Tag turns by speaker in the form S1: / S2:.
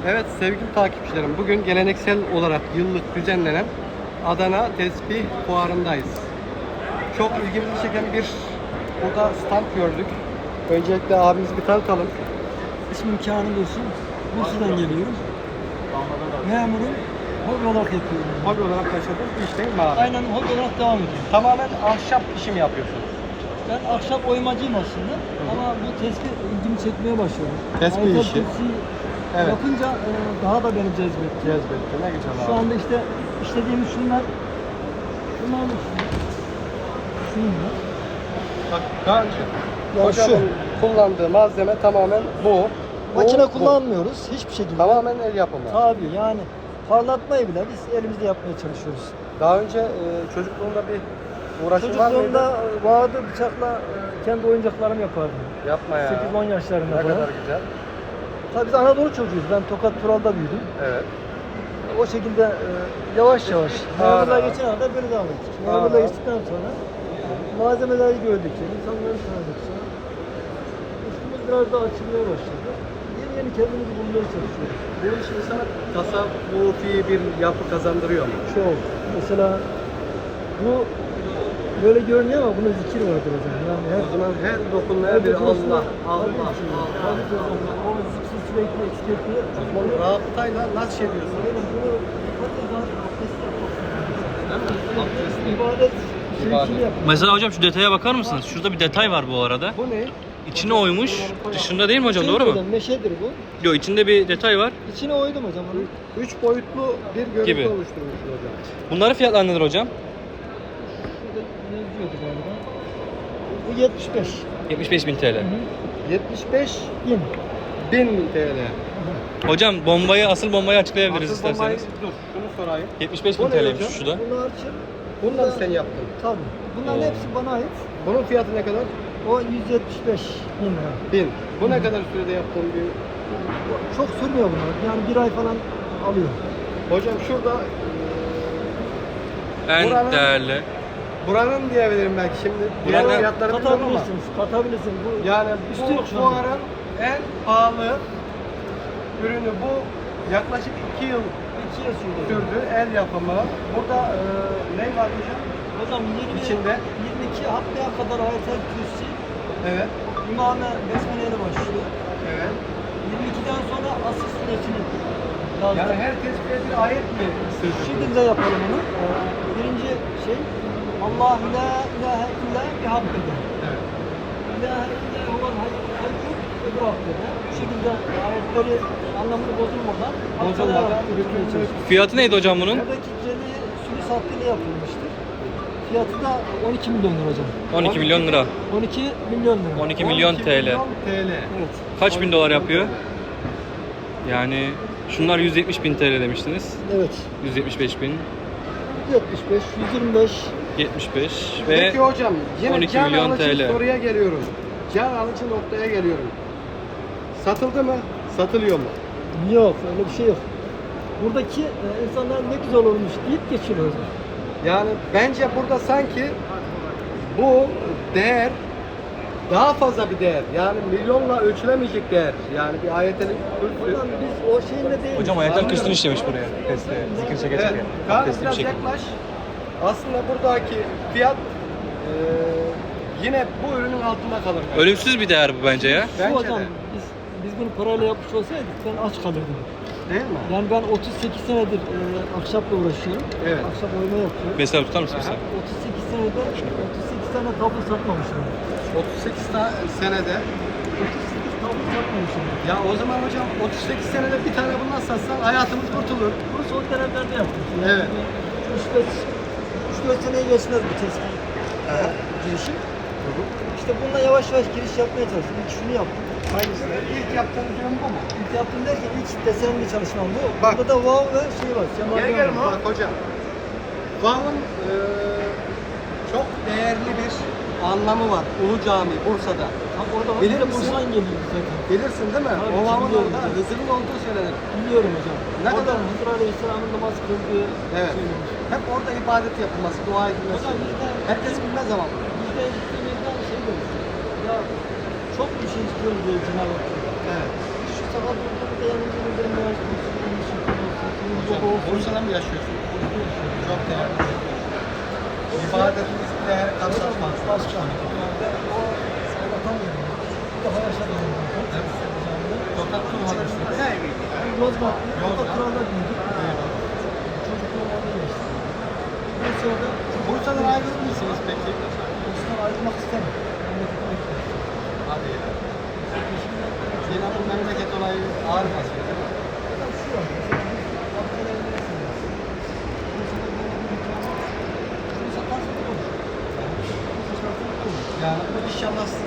S1: Evet sevgili takipçilerim, bugün geleneksel olarak yıllık düzenlenen Adana Tesbih Fuarı'ndayız. Çok ilgimizi çeken bir burada stand gördük. Öncelikle abimizi bir tanıtalım.
S2: İsmim Kamil Dursun. Bursa'dan geliyorum. Memurum. Hobi olarak yapıyorum.
S1: Hobi olarak başladığınız bir iş değil mi abi?
S2: Aynen hobi olarak devam ediyorum.
S1: Tamamen ahşap işi mi yapıyorsunuz?
S2: Ben ahşap oymacıyım aslında. Ama bu tespih ilgimi çekmeye başladı.
S1: Tespih
S2: Ayetel
S1: işi.
S2: Kürsi'yi
S1: Evet.
S2: yapınca daha da beni cezbetti.
S1: Cezbetti. Ne güzel abi.
S2: Şu anda işte işlediğimiz şunlar. Şunlar mı? Şunlar.
S1: Bak Kaan'cığım,
S2: Ya
S1: hocamın kullandığı malzeme tamamen bu.
S2: Makine
S1: Bu.
S2: kullanmıyoruz hiçbir şekilde.
S1: Tamamen el yapımı.
S2: Tabii yani parlatmayı bile biz elimizde yapmaya çalışıyoruz.
S1: Daha önce çocukluğunda bir uğraşın var mıydı?
S2: Çocukluğumda vardı bıçakla kendi oyuncaklarımı yapardım.
S1: Yapma ya.
S2: 8-10 yaşlarında
S1: Ne
S2: falan.
S1: kadar güzel.
S2: Tabii biz Anadolu çocuğuyuz. Ben Tokat Tural'da büyüdüm.
S1: Evet.
S2: O şekilde yavaş yavaş memurluğa
S1: Ağır.
S2: geçene kadar böyle devam ettik.
S1: Ağır.
S2: Memurluğa geçtikten sonra malzemeleri gördükçe, insanları tanıdıkça ufkumuz biraz daha açılmaya başladı. Yeni yeni kendimizi bulmaya çalışıyoruz.
S1: Bu iş insana tasavvufi bir yapı kazandırıyor mu?
S2: Çok. Mesela bu böyle görünüyor ama bunun zikir vardır hocam. Yani
S1: O zaman her dokunmaya bir Allah, Allah,
S2: Tabii ki hocam. O zikri sürekli eksik etmiyor.
S1: Allah. Rabıtayla nasıl şey diyorsun?
S2: İbadet
S1: İbadet.
S2: şeysini yapıyor.
S3: Mesela hocam şu detaya bakar mısınız? Şurada bir detay var bu arada.
S1: Bu ne?
S3: İçine oymuş. Dışında değil mi hocam? Doğru mu?
S2: Hocam, meşedir bu.
S3: Yok, içinde bir detay var.
S2: İçine oydum hocam onu.
S1: 3 boyutlu bir görüntü
S3: Gibi.
S1: oluşturmuş hocam.
S3: Bunların fiyatları nedir hocam?
S2: Şurada yazıyordu galiba. Bu 75.
S3: 75.000 TL.
S1: 75
S2: Bin.
S1: 1000 TL.
S3: Hocam asıl bombayı açıklayabiliriz
S1: Asıl bombayı
S3: isterseniz.
S1: dur, şunu sorayım.
S3: 75.000
S1: Bu ne
S3: TL'ymiş
S1: hocam?
S3: şu da.
S2: Bunu açıp.
S1: Bunu da sen yaptın.
S2: Tabii. Bunların
S3: Oo.
S2: hepsi bana ait.
S1: Bunun fiyatı ne kadar?
S2: O 175 bin lira.
S1: 1000. Bu ne kadar sürede yaptığın bir...
S2: Çok sürmüyor bunlar. Yani bir ay falan alıyor.
S1: Hocam şurada
S3: En
S1: Buranın-
S3: değerli.
S1: buranın diyebilirim belki şimdi. Diğer
S3: Buranın-
S1: fiyatları bilmiyorum ama.
S2: Katabilirsiniz. Katabilirsin. Bu
S1: Yani
S2: Üstü
S1: bu
S2: yok şu anda.
S1: fuarın en pahalı ürünü bu. Yaklaşık 2 yıl
S2: 2 yıl sürdü.
S1: sürdü. El yapımı. Burada ne var hocam?
S2: Hocam 20,
S1: İçinde?
S2: 22 haftaya kadar Ayetel Kürsi
S1: Evet.
S2: İmame Besmele ile başlıyor.
S1: Evet.
S2: 22'den sonra asıl süresini yazdık.
S1: Yani her tesbihe bir ayet mi
S2: Şu
S1: sığdırdı?
S2: şekilde yapalım onu. Birinci şey Allah la ilahe illa bihamdede.
S1: Evet.
S2: İlahe illa huvel hayyul öbür hakkede. Bu şekilde ayetleri anlamını bozulmadan
S1: Bozulmadan
S2: hatırlayarak
S1: bütün
S2: götürmeye çalışıyoruz.
S3: Fiyatı neydi hocam bunun?
S2: Buradaki celi sülüs hakkıyla yapılmıştır. Fiyatı da 12 milyon lira hocam.
S3: 12 milyon lira.
S2: 12 milyon lira.
S3: 12 milyon
S1: 12
S3: TL.
S1: milyon TL.
S2: Evet.
S3: Kaç bin dolar yapıyor? Yani şunlar 170.000 TL demiştiniz.
S2: Evet.
S3: 175.000,
S2: 75, 125.
S3: 75 ve
S1: Peki hocam yine
S3: 12
S1: can
S3: milyon
S1: alıcı
S3: TL.
S1: soruya geliyorum. Can alıcı noktaya geliyorum. Satıldı mı? Satılıyor mu?
S2: Yok, öyle bir şey yok. Buradaki insanlar ne güzel olmuş deyip geçiyorlar.
S1: Yani bence burada sanki bu değer daha fazla bir değer. Yani milyonla ölçülemeyecek değer. Yani bir ayetel kürsü.
S2: Buradan biz o şeyinde değil.
S3: hocam Ayetel Kürsü'nü işlemiş buraya. Testi, zikir çeke
S1: Evet.
S3: çeke.
S1: Kaan
S3: Testi bir
S1: biraz
S3: şekilde.
S1: yaklaş. Aslında buradaki fiyat yine bu ürünün altında kalır.
S3: Ölümsüz bir değer bu bence ya.
S2: Şu
S1: Bence
S2: hocam,
S1: de.
S2: biz bunu parayla yapmış olsaydık ben aç kalırdım.
S1: Değil mi?
S2: Yani ben 38 senedir ahşapla uğraşıyorum.
S1: Evet.
S2: Ahşap oyma yapıyorum.
S3: Mesela tutar mısın mesela?
S2: 38 senede 38 tane tablo satmamışım.
S1: 38 senede.
S2: 38 tablo satmamışım.
S1: Ya o zaman hocam 38 senede bir tane bundan satsan hayatımız kurtulur.
S2: Bunu son dönemlerde yaptık.
S1: Evet.
S2: 3-4 seneye geçmez bu tespih girişim. İşte bununla yavaş yavaş giriş yapmaya çalıştım. İlk şunu yaptım.
S1: Hangisi? İlk yaptığınız ürün bu mu?
S2: İlk yaptığım derken ilk desenli çalışmam bu.
S1: Bak.
S2: Burada da wow ve şey var.
S1: Gel bak hocam. Van'ın çok değerli bir anlamı var. Ulu Cami Bursa'da.
S2: Tam orada var.
S1: Bilir
S2: Bir de
S1: misin?
S2: Bursa'dan geliyoruz zaten.
S1: Bilirsin değil mi?
S2: Tabii
S1: O
S2: ki
S1: Van'ın
S2: biliyorum.
S1: orada Hızır'ın olduğu söylenir.
S2: Biliyorum hocam.
S1: Ne
S2: Orada
S1: kadar?
S2: Hızır Aleyhisselam'ın namaz kıldığı
S1: Evet.
S2: söylenir.
S1: Hep orada ibadet yapılması, dua edilmesi.
S2: Hocam bizde
S1: Herkes bilmez ama.
S2: bizde gittiğimizde şey diyoruz. Ya çok bir şey istiyoruz diye Cenab-ı Hak.
S1: Evet.
S2: Şu sabah durduğumuzda yanımızda indirim var.
S1: Bursa'da mı yaşıyorsunuz? Çok değerli. İbadetinizle karşılaşmaz.
S2: Başkan. Ben atamıyorum. Daha yaşadım.
S1: Tokat Turhalı'sınız.
S2: Yozgat.
S1: Yozgat.
S2: Yozgat Kral'da büyüdük. Çocukluğum orada geçti. Bursa'da
S1: Bursa'dan ayrılır mısınız peki?
S2: Bursa'dan ayrılmak istemem. Memleketime gitmek istedim.
S1: Hadi ya. Yine bu memleket olayı ağır basıyor değil mi?
S2: Fakat şu var. Mesela biz Abdülhamid'in Bursa'da böyle bir imkan var. Şunu satarsın olur. Şunu satarsın olur.
S1: Yani inşallah siz